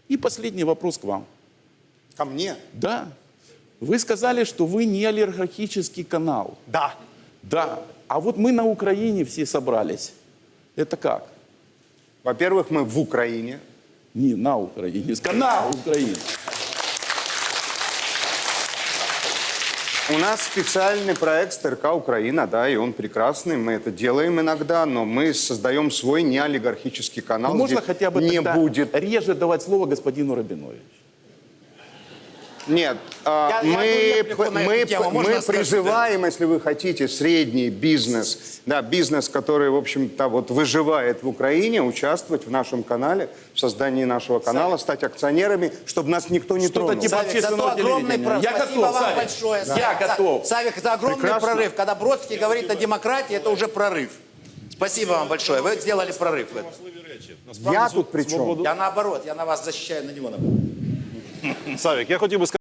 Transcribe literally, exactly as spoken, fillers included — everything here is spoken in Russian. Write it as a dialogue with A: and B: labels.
A: И последний вопрос к вам.
B: Ко мне?
A: Да. Вы сказали, что вы не олигархический канал.
B: Да.
A: Да. А вот мы на Украине все собрались. Это как?
B: Во-первых, мы в Украине.
A: Не на Украине, на Украине.
B: У нас специальный проект СТРК Украина, да, и он прекрасный. Мы это делаем иногда, но мы создаем свой неолигархический канал.
A: Ну, можно
B: где
A: хотя бы
B: не
A: тогда
B: будет.
A: реже давать слово господину Рабиновичу.
B: Нет, а,
C: Я- я
B: мы,
C: говорю реплику на
B: мы,
C: эту тему. Можно
B: мы
C: сказать,
B: призываем, если вы хотите, средний бизнес, да, бизнес, который, в общем-то, вот выживает в Украине, участвовать в нашем канале, в создании нашего канала, стать акционерами, чтобы нас никто не
A: Что-то
B: тронул.
A: типа
C: Савик, зато
A: общественного
C: огромный
A: телевидения.
C: прорыв.
A: Я
C: Спасибо
A: готов,
C: вам
A: Савик.
C: большое.
A: Я
C: Савик,
A: готов.
C: Савик, это огромный
B: Прекрасно.
C: прорыв. Когда Бродский говорит о демократии, это уже прорыв. Спасибо вам большое. Вы сделали прорыв в этом.
B: Я тут при чем?
C: Я наоборот, я на вас защищаю, на него наоборот.
D: Савік, я хотів би сказати.